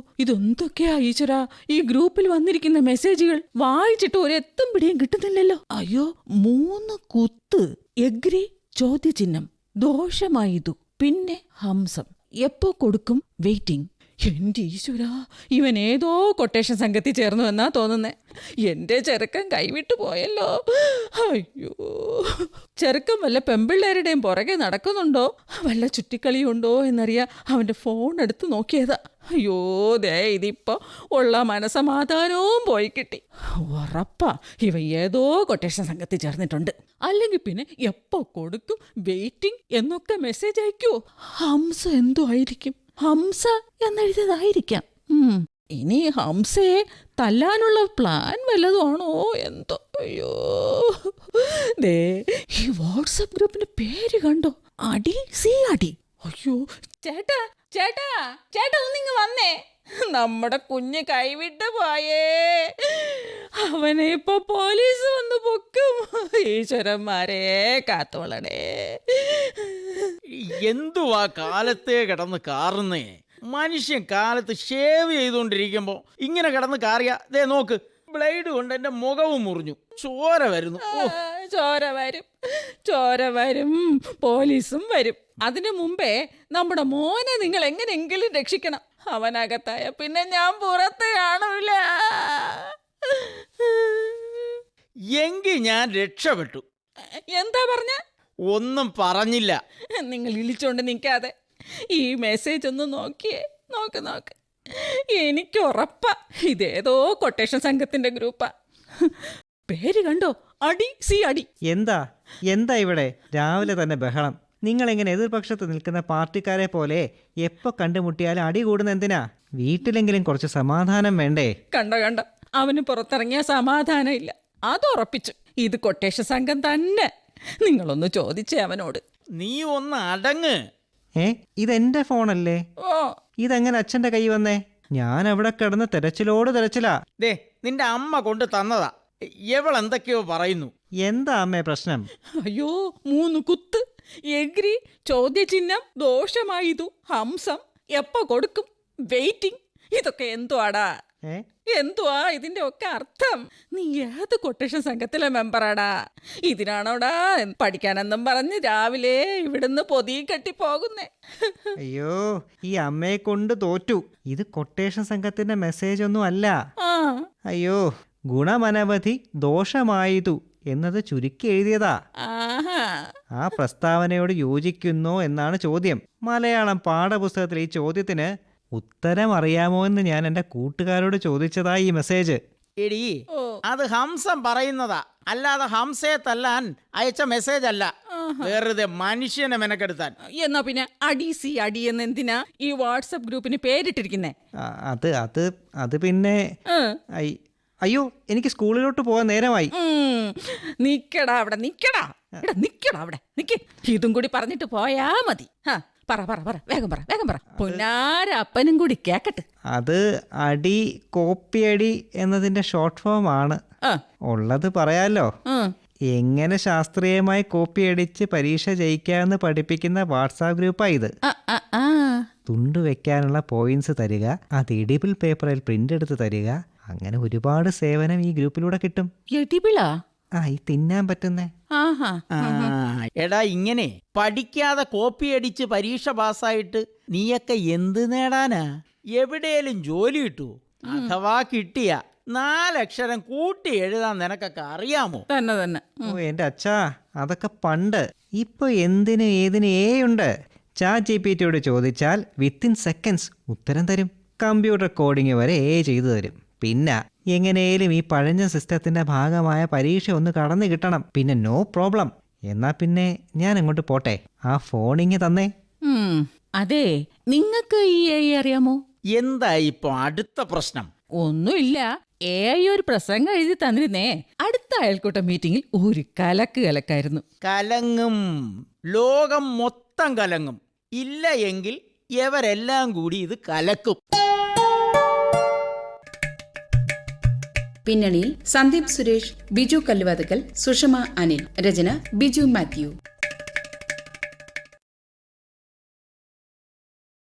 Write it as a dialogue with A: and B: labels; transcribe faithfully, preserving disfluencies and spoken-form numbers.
A: ഇതെന്തൊക്കെയാ ഈശ്വരാ ഈ ഗ്രൂപ്പിൽ വന്നിരിക്കുന്ന മെസ്സേജുകൾ? വായിച്ചിട്ട് ഒരെത്തും പിടിയും കിട്ടുന്നില്ലല്ലോ. അയ്യോ, മൂന്ന് കുത്ത്, എഗ്രി, ചോദ്യചിഹ്നം, ദോഷമായതു, പിന്നെ ഹംസം, എപ്പോ കൊടുക്കും, വെയിറ്റിംഗ്. എന്റെ ഈശ്വരാ, ഇവൻ ഏതോ കൊട്ടേഷൻ സംഘത്തിൽ ചേർന്നു എന്നാ തോന്നുന്നേ. എന്റെ ചെറുക്കൻ കൈവിട്ടു പോയല്ലോ. അയ്യോ, ചെറുക്കൻ വല്ല പെമ്പിള്ളേരുടെയും പുറകെ നടക്കുന്നുണ്ടോ, വല്ല ചുറ്റിക്കളിയുണ്ടോ എന്നറിയാ അവന്റെ ഫോൺ എടുത്ത് നോക്കിയതാ. അയ്യോ, ദേ ഇതിപ്പോ ഉള്ള മനസമാധാനവും പോയി കിട്ടി. ഉറപ്പാ ഇവ ഏതോ കൊട്ടേഷൻ സംഘത്തിൽ ചേർന്നിട്ടുണ്ട്. അല്ലെങ്കിൽ പിന്നെ എപ്പോ കൊടുക്കും, വെയിറ്റിംഗ് എന്നൊക്കെ മെസ്സേജ് അയക്കുവോ? ഹംസ എന്തോ ആയിരിക്കും, ഹംസ എന്നെഴുതിയതായിരിക്കാം. ഇനി ഹംസയെ തല്ലാനുള്ള പ്ലാൻ വല്ലതുമാണോ എന്തോ. അയ്യോ, ദേ ഈ വാട്സപ്പ് ഗ്രൂപ്പിന്റെ പേര് കണ്ടോ, അടി സി അടി. അയ്യോ, ചേട്ടാ ചേട്ടാ ചേട്ടാ ഒന്നിങ്ങ് വന്നേ, നമ്മുടെ കുഞ്ഞ് കൈവിട്ട് പോയേ, അവനെ ഇപ്പൊ പോലീസ് വന്ന് പൊക്കും. ഈശ്വരന്മാരെ കാത്തോളണേ.
B: എന്തുവാ കാലത്തെ കിടന്ന് കാറുന്നേ? മനുഷ്യൻ കാലത്ത് ഷേവ് ചെയ്തുകൊണ്ടിരിക്കുമ്പോ ഇങ്ങനെ കിടന്ന് കാറിയ ദേ നോക്ക്, ബ്ലേഡ് കൊണ്ട് എന്റെ മുഖവും മുറിഞ്ഞു, ചോര വരുന്നു.
A: ചോര വരും, ചോര വരും, പോലീസും വരും. അതിനു മുമ്പേ നമ്മുടെ മോനെ നിങ്ങൾ എങ്ങനെയെങ്കിലും രക്ഷിക്കണം. അവനകത്തായ പിന്നെ ഞാൻ പുറത്ത് കാണൂല.
B: എങ്കിൽ ഞാൻ രക്ഷപ്പെട്ടു.
A: എന്താ പറഞ്ഞ?
B: ഒന്നും പറഞ്ഞില്ല.
A: നിങ്ങൾ ഇളിച്ചോണ്ട് നിൽക്കാതെ ഈ മെസ്സേജ് ഒന്ന് നോക്കിയേ, നോക്ക് നോക്ക്. എനിക്ക് ഉറപ്പാ ഇതേതോ കൊട്ടേഷൻ സംഘത്തിന്റെ ഗ്രൂപ്പാ. പേര് കണ്ടോ, അടി സി അടി.
C: എന്താ എന്താ ഇവിടെ രാവിലെ തന്നെ ബഹളം? നിങ്ങളെങ്ങനെ എതിർപക്ഷത്ത് നിൽക്കുന്ന പാർട്ടിക്കാരെ പോലെ എപ്പോൾ കണ്ടുമുട്ടിയാലും അടി കൂടുന്ന എന്തിനാ? വീട്ടിലെങ്കിലും കുറച്ച് സമാധാനം വേണ്ടേ?
A: കണ്ട കണ്ട അവന് പുറത്തിറങ്ങിയ സമാധാനം ഇല്ല, അത് ഉറപ്പിച്ചു. ഇത് കൊട്ടേഷൻ സംഘം തന്നെ. നിങ്ങളൊന്ന് ചോദിച്ചേ അവനോട്.
B: നീ ഒന്ന് അടങ്ങ്.
C: ഏ, ഇതെന്റെ ഫോണല്ലേ?
A: ഓ,
C: ഇതെങ്ങനെ അച്ഛന്റെ കൈ വന്നേ? ഞാൻ അവിടെ കിടന്ന് തെരച്ചിലോട് തെരച്ചിലാ.
B: ദേ നിന്റെ അമ്മ കൊണ്ട് തന്നതാ. എവളെന്തൊക്കെയോ പറയുന്നു.
C: എന്താ അമ്മേ പ്രശ്നം?
A: അയ്യോ, മൂന്ന് കുത്ത്, എഗ്രി, ചോദ്യചിഹ്നം, ദോഷമായതു, ഹംസം, എപ്പോ കൊടുക്കും, വെയിറ്റിംഗ്. ഇതൊക്കെ എന്തുവാടാ? എന്തുവാ ഇതിന്റെ ഒക്കെ അർത്ഥം? നീ ഏത് കൊട്ടേഷൻ സംഘത്തിലെ മെമ്പറാടാ? ഇതിനാണോടാ പഠിക്കാനെന്നും പറഞ്ഞ് രാവിലെ ഇവിടുന്ന് പൊതി കെട്ടി പോകുന്നേ?
C: അയ്യോ, ഈ അമ്മയെ കൊണ്ട് തോറ്റു. ഇത് കൊട്ടേഷൻ സംഘത്തിന്റെ മെസ്സേജ് ഒന്നും അല്ല. അയ്യോ, ഗുണമനവധി ദോഷമായതു എന്നത് ചുരുക്കി എഴുതിയതാ. ആ പ്രസ്താവനയോട് യോജിക്കുന്നോ എന്നാണ് ചോദ്യം. മലയാളം പാഠപുസ്തകത്തിൽ ഈ ചോദ്യത്തിന് ഉത്തരം അറിയാമോ എന്ന് ഞാൻ എൻ്റെ കൂട്ടുകാരോട് ചോദിച്ചതാ ഈ മെസ്സേജ്.
B: എടീ, അത് ഹംസം പറയുന്നതാ, അല്ലാതെ ഹംസയെ തല്ലാൻ അയച്ച മെസ്സേജ് അല്ല. വെറുതെ മനുഷ്യനെ മെനക്കെടുത്താൻ.
A: എന്നാ പിന്നെ അടി സി അടി എന്ന് എന്തിനാ ഈ വാട്സപ്പ് ഗ്രൂപ്പിന് പേരിട്ടിരിക്കുന്നേ?
C: അത് അത് അത് പിന്നെ അയ്യോ, എനിക്ക് സ്കൂളിലോട്ട് പോകാൻ നേരമായി.
A: നിക്കടാ അവിടെ, നിക്കടാ നിക്കടാ അവിടെ നിക്ക്. ഇതും കൂടി പറഞ്ഞിട്ട് പോയാ മതി. പറ പറ പറ വേഗം പറ വേഗം പറ. പൊന്നാര അപ്പനും കൂടി കേക്കട്ടെ.
C: അത് അടി കോപ്പിയടി എന്നതിന്റെ ഷോർട്ട് ഫോം ആണ്. ഉള്ളത് പറയാലോ. എങ്ങനെ ശാസ്ത്രീയമായി കോപ്പിയടിച്ച് പരീക്ഷ ജയിക്കാമെന്ന് പഠിപ്പിക്കുന്ന വാട്സാപ്പ് ഗ്രൂപ്പാ ഇത്. തുണ്ടു വെക്കാനുള്ള പോയിന്റ്സ് തരിക, അത് എഡിബിൾ പേപ്പറിൽ പ്രിന്റ് എടുത്ത് തരിക, അങ്ങനെ ഒരുപാട് സേവനം ഈ ഗ്രൂപ്പിലൂടെ കിട്ടും.
A: എഡിബിളാ?
C: ആ, ഈ തിന്നാൻ പറ്റുന്നേ.
B: എടാ, ഇങ്ങനെ പഠിക്കാതെ കോപ്പി അടിച്ച് പരീക്ഷ പാസ്സായിട്ട് നീയൊക്കെ എന്ത് നേടാനാ? എവിടെയും ജോലി കിട്ടൂ? അഥവാ കിട്ടിയ നാലക്ഷരം കൂട്ടി എഴുതാൻ നിനക്കൊക്കെ അറിയാമോ?
A: തന്നെ തന്നെ.
C: ഓ എന്റെ അച്ഛാ, അതൊക്കെ പണ്ട്. ഇപ്പൊ എന്തിന് ഏതിന് ഏ ഉണ്ട്. ചാറ്റ് ജി പി ടിയോട് ചോദിച്ചാൽ വിത്തിൻ സെക്കൻഡ്സ് ഉത്തരം തരും. കമ്പ്യൂട്ടർ കോഡിങ് വരെ ഏ ചെയ്തു തരും. പിന്നെ എങ്ങനെയും ഈ പഴഞ്ഞ സിസ്റ്റത്തിന്റെ ഭാഗമായ പരീക്ഷ ഒന്ന് കടന്നു കിട്ടണം. പിന്നെ നോ പ്രോബ്ലം. എന്നാ പിന്നെ ഞാൻ അങ്ങോട്ട് പോട്ടെ. ആ ഫോണിങ് തന്നേ.
A: അതെ, നിങ്ങൾക്ക് ഈ എ ഐ അറിയാമോ?
B: എന്താ ഇപ്പൊ അടുത്ത പ്രശ്നം?
A: ഒന്നുമില്ല, എ ഐ ഒരു പ്രസംഗം എഴുതി തന്നിരുന്നേ. അടുത്ത അയൽക്കൂട്ട മീറ്റിംഗിൽ ഒരു കലക്ക് കലക്കായിരുന്നു.
B: കലങ്ങും, ലോകം മൊത്തം കലങ്ങും. ഇല്ല എങ്കിൽ ഇവരെല്ലാം കൂടി ഇത് കലക്കും.
D: പിന്നണിയിൽ സന്ദീപ് സുരേഷ്, ബിജു കല്ലുവാതുക്കൽ, സുഷമ അനിൽ. രചന ബിജു മാത്യു.